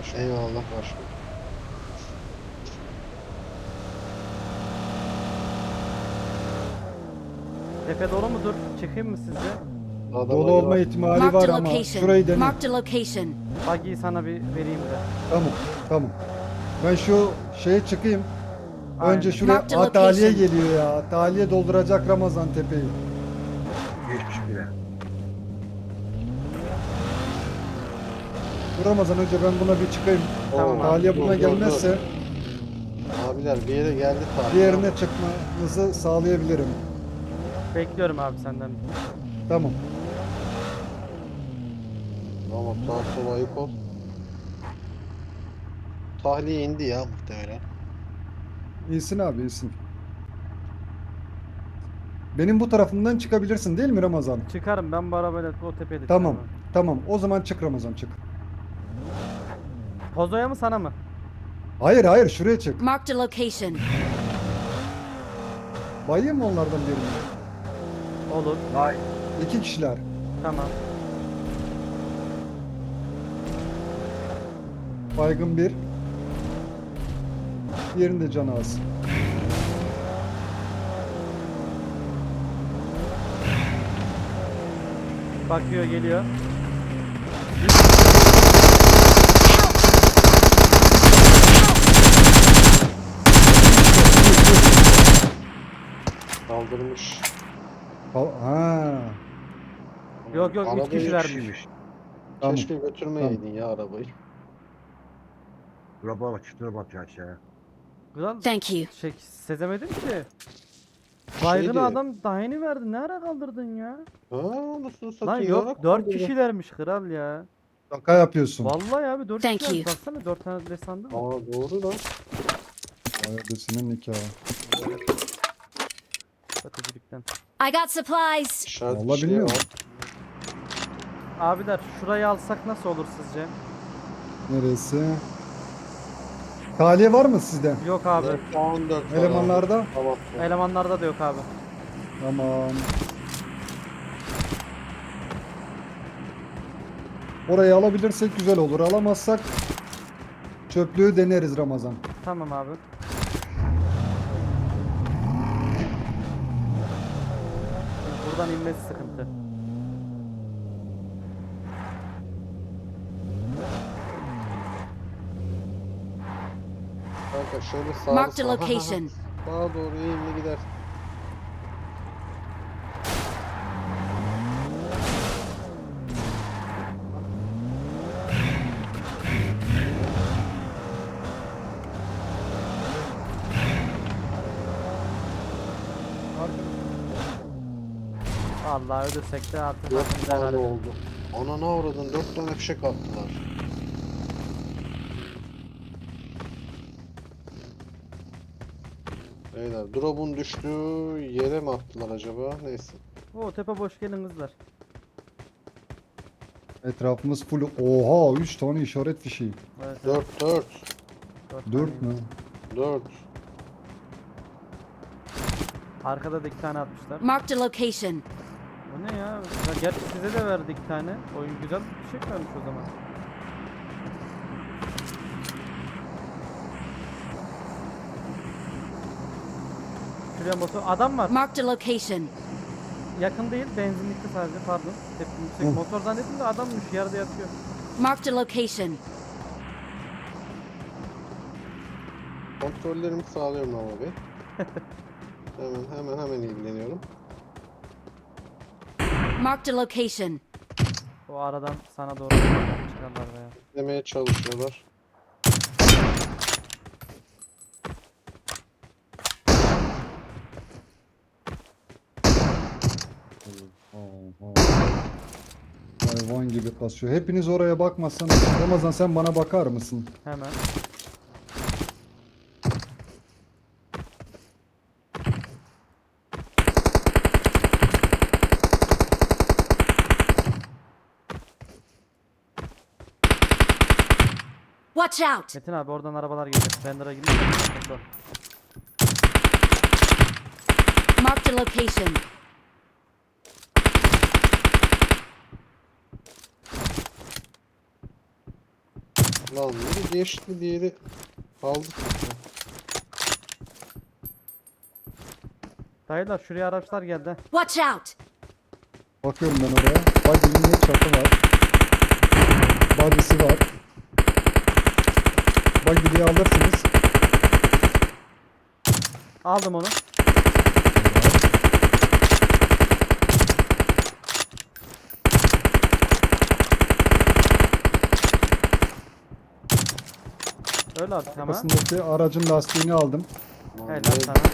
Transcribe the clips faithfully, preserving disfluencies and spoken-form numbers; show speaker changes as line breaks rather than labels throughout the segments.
başkanım. Eyvallah başkanım.
Tepe dolu mudur? Çıkayım mı sizce?
Daha da
Dolu
bagi
olma
var.
ihtimali
Marked
var
a
ama
location.
şurayı dene.
Marked a location.
Bagiyi sana bir vereyim de.
Tamam, tamam. Ben şu şeye çıkayım.
Aynen.
Önce şuraya
Mark the
Aa, Taliye
location.
geliyor ya. Taliye dolduracak Ramazan tepeyi.
Geçmiş bile.
Dur Ramazan, önce ben buna bir çıkayım.
Tamam abi.
Taliye
Dur,
buna
dur,
gelmezse
dur. Abiler bir yere geldi Taliye.
diğerine çıkmanızı sağlayabilirim.
Bekliyorum abi senden.
Tamam.
Tamam sağ sola ayık ol. Tahliye indi ya muhtemelen.
İyisin abi, iyisin. Benim bu tarafımdan çıkabilirsin değil mi Ramazan?
Çıkarım ben bu arabayla o tepede
Tamam.
çıkarım.
Tamam. O zaman çık Ramazan, çık.
Pozoya mı sana mı?
Hayır hayır, şuraya çık.
Marked a location.
Bayayım mı onlardan birini?
Olur.
Vay.
İki kişiler.
Tamam.
Baygın bir. Diğerinde canı az.
Bakıyor geliyor.
Kaldırmış.
Ha. ha.
Yok yok üç
Arabayı
kişilermiş.
Kişiymiş.
Tamam.
Keşke götürmeyeydin ya arabayı.
Drop'a bak, şu drop'a bak aşağıya.
Güzel.
Thank you.
Şey sezemedim ki. Baygın
Şeydi.
adam daha yeni verdin. Ne ara kaldırdın ya?
Ha nasıl
Lan
satayım
yok
ya?
dört kişilermiş kral ya.
Şaka yapıyorsun.
Vallahi abi dört
Thank
kişilermiş.
you.
Baksana dört tane de sandım.
Aa doğru lan.
Ayadesinin nikahı.
Satıcılıktan.
I got supplies.
İşaret
Vallahi
şey
bilmiyorum.
var.
Abiler şurayı alsak nasıl olur sizce?
Neresi? Taliye var mı sizde?
Yok abi.
on dört var
Elemanlarda?
abi. Tamam.
Elemanlarda da yok abi.
Tamam. Orayı alabilirsek güzel olur. Alamazsak çöplüğü deneriz Ramazan.
Tamam abi. Buradan inmesi sıkıntı.
Kanka şöyle sağa
Marked a
sağa-
location.
Sağa doğru eğimli gider.
Vallahi ölürsek de artık
Dört
hakkımızı
tane
helal edelim.
oldu. Ana ne avradın? Dört tane fişek attılar. Beyler drop'un düştüğü yere mi attılar acaba? Neyse.
Oo tepe boş gelin kızlar.
Etrafımız full. Oha, üç tane işaret fişeği.
Evet, evet,
Dört dört.
dört
dört
tane.
mü?
Dört.
Arkada da iki tane atmışlar.
Marked a location.
Bu ne ya? Ya gerçi size de verdi iki tane. Oyun güzel bir şey vermiş o zaman. Şuraya motor. Adam var.
Marked a location.
Yakın değil. Benzinlikte sadece. Pardon. Tepki yüksek.
Hı.
Motor zannettim de adammış. Yerde yatıyor.
Marked a location.
Kontrollerimi sağlıyorum ama Bey. Hemen hemen hemen ilgileniyorum.
Marked a location.
O aradan sana doğru çıkarlar veya.
Demeye çalışıyorlar.
Oha. Hayvan gibi kasıyor. Hepiniz oraya bakmazsanız. Ramazan, sen bana bakar mısın?
Hemen.
Watch out.
Metin abi oradan arabalar geliyor. Bender'a gidiyor. Motor.
Marked a location.
Lan biri geçti, diğeri kaldı.
Dayılar şuraya araçlar geldi.
Watch out!
Bakıyorum ben oraya. Buggy'nin ne çatı var. Body'si var. Buggy'yi alırsınız.
Aldım onu. Öyle abi tamam.
Arkasındaki aracın lastiğini aldım.
Lan
Helal
ne-
sana.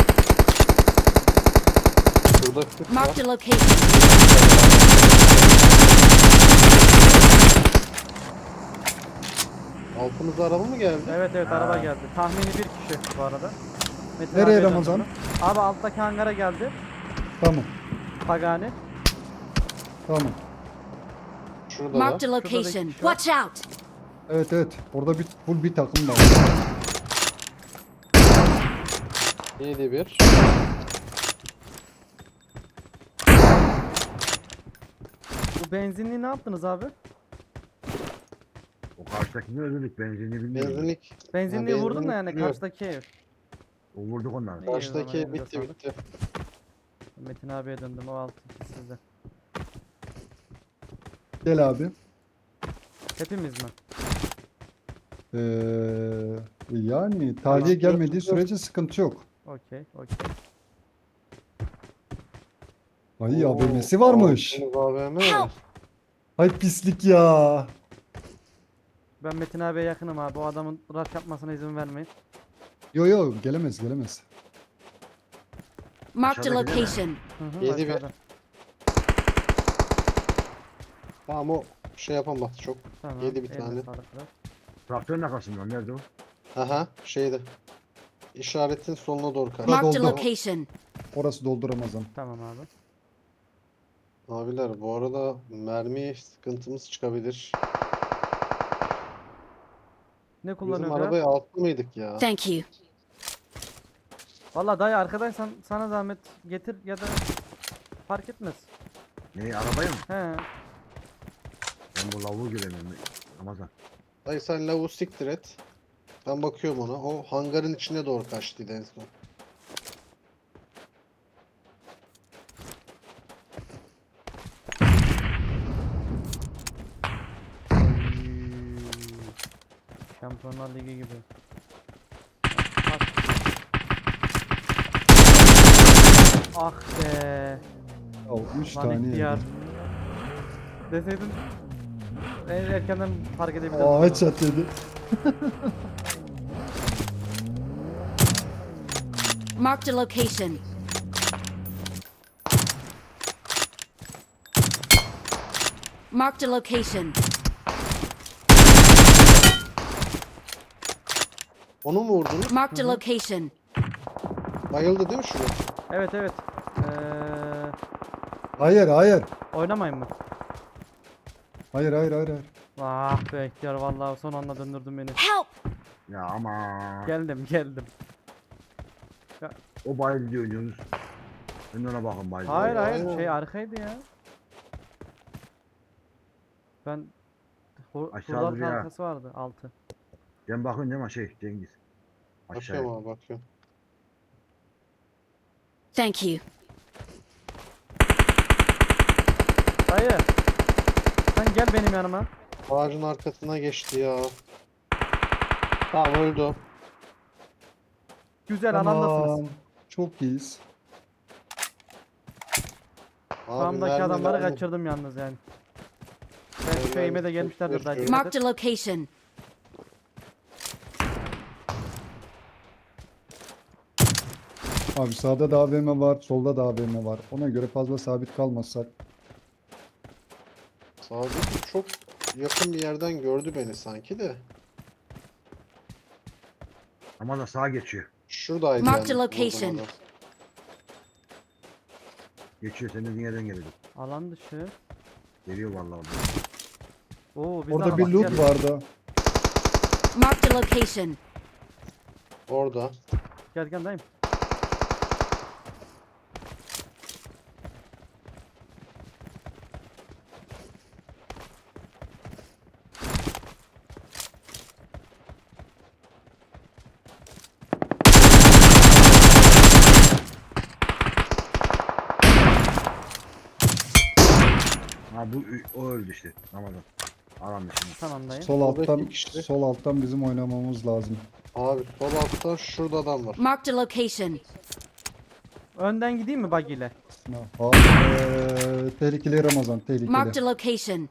Şurada kırk var.
Marked a location.
Altımızda araba mı geldi?
Evet evet
Ha.
araba geldi. Tahmini bir kişi bu arada. Metin
Nereye
abiye
Ramazan?
döndüm. Abi alttaki hangara geldi.
Tamam.
Pagani.
Tamam.
Şurada
Marked a
da.
location.
kişi var.
Watch out!
Evet evet. Orada bir full bir takım var.
yedi bir.
Bu benzinliği ne yaptınız abi?
O karşıdakini öldürdük. Benzinini bilmiyorum.
Benzinlik.
Benzinliği
Ha,
vurdun da
benzinlik
yani
duruyor.
karşıdaki ev.
O vurduk onları.
İyi,
Karşıdaki
o zaman
bitti
elinize
bitti.
Metin abiye döndüm. O altı iki sizde.
Gel abi.
Hepimiz mi?
Ee, yani tahliye gelmediği sürece sıkıntı yok.
Okey okey.
Ay
Oo,
A V M'si varmış.
altımız A V M.
Help!
Ay pislik ya.
Ben Metin abiye yakınım abi. O adamın rush yapmasına izin vermeyin.
Yo yo gelemez gelemez.
Marked a
Aşağıdaki değil mi?
location.
Hı hı,
Yedi bir.
aşağıda.
Tamam o şey yapamaz çok.
Tamam.
Yedi bir
eline
tane.
sağlık kral.
Traktörün arkasında. Nerede o?
Aha şeyde. İşaretin soluna doğru kaç.
Marked a
doldu.
location.
Orası doldu Ramazan.
Tamam abi.
Abiler bu arada mermi sıkıntımız çıkabilir.
Ne
Bizim
kullanıyor ya?
arabaya altlı mıydık ya?
Thank you.
Valla dayı arkadaysan sana zahmet getir ya da fark etmez.
Ne arabaya mı?
He.
Ben bu lavuğu göremiyorum. Ramazan.
Dayı sen lavuğu siktir et. Ben bakıyorum ona. O hangarın içine doğru kaçtıydı en son.
Şampiyonlar Ligi gibi. Bak. Ah be.
Oh, üç
Lan
tane
ihtiyar.
yedi.
Deseydin en erkenden fark edebilirdim.
Aa headshot yedi.
Marked a location. Marked a location.
Onu mu vurdunuz?
Marked a location.
Bayıldı değil mi şunu?
Evet evet. Ee,
Hayır hayır.
oynamayın mı?
Hayır hayır hayır hayır.
Ah be ihtiyar vallahi son anda döndürdün beni.
Help!
Ya ama.
Geldim geldim.
O bayıldı diyor Yunus. Ben de ona bakın bayıldı.
Hayır hayır
aynen.
şey arkaydı ya. Ben Hu-
Aşağı
Hurdar
duruyor ha.
halkası vardı altı.
Ben bakın değil mi şey Cengiz. Aşağıya.
Bakıyorum abi bakıyorum.
Thank you.
Dayı. Sen gel benim yanıma.
Ağacın arkasına geçti ya. Tamam öldü o.
Güzel alandasınız.
Tamam. Çok iyiyiz.
Abi
Sağımdaki
mermi
adamları
lazım.
kaçırdım yalnız yani. Ben
Ben-
şu eğime de
ben
gelmişlerdir
çok
dayı.
yaşıyorum.
dikkat
Marked
et.
a location.
Abi sağda da A V M var, solda da A V M var. Ona göre fazla sabit kalmazsak.
Sağdaki çok yakın bir yerden gördü beni sanki de.
Ama da sağa geçiyor.
Şuradaydı
Marked
yani.
a location.
vurdum adam.
Geçiyor senin dediğin yerden geliyor.
Alan dışı.
Geliyor vallahi orada.
Oo biz
Orada bir loot vardı.
Marked a location.
Orada.
Gel gel dayım.
Ha bu o öldü işte. Ramazan. Alan dışında.
Tamam dayı.
Sol
Soldaki
alttan
kişi.
sol alttan bizim oynamamız lazım.
Abi sol altta şurada adam var.
Marked a location.
Önden gideyim mi buggy ile?
Abi, eee, tehlikeli Ramazan,
Marked
tehlikeli.
a location.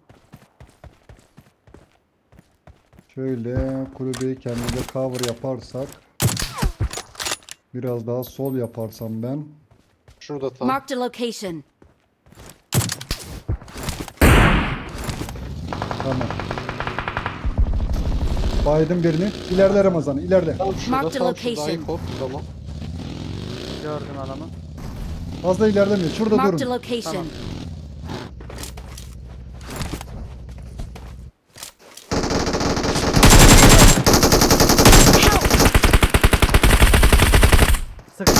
Şöyle kulübeyi kendimize cover yaparsak. Biraz daha sol yaparsam ben.
Şurada tam.
Marked a location.
Tamam. Baydım birini. İleride Ramazan, ileride.
Tam şurada
Marked
tam şurada
location.
ayık Tamam.
Gördüm adamı.
Fazla ilerlemiyor. Şurada
Marked a
durun.
location.
Tamam. Sık.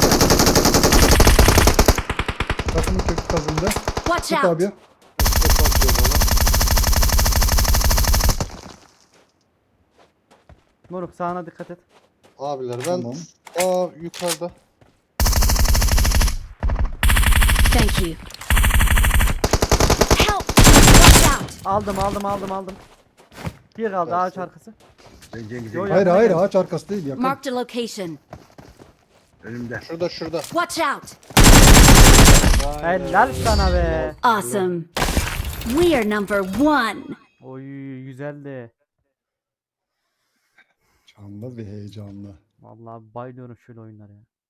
Takımın kökü kazındı.
Watch
Tut
out.
abi.
Üstte patlıyor bana.
Moruk sağına dikkat et.
Abiler ben
Tamam.
aa yukarıda.
Thank you. Help! Watch out!
Aldım aldım aldım aldım. Bir kaldı ağaç
Dersin.
arkası.
Ben Cengiz'e
Yo, yo.
Hayır
Yakına
hayır
gel.
ağaç arkası değil yakın.
Marked a location.
önümde.
Şurada şurada.
Watch out!
Helal sana be.
Awesome. We are number one.
Oy güzeldi.
Canlı ve heyecanlı.
Vallahi bayılıyorum şöyle oyunlara ya.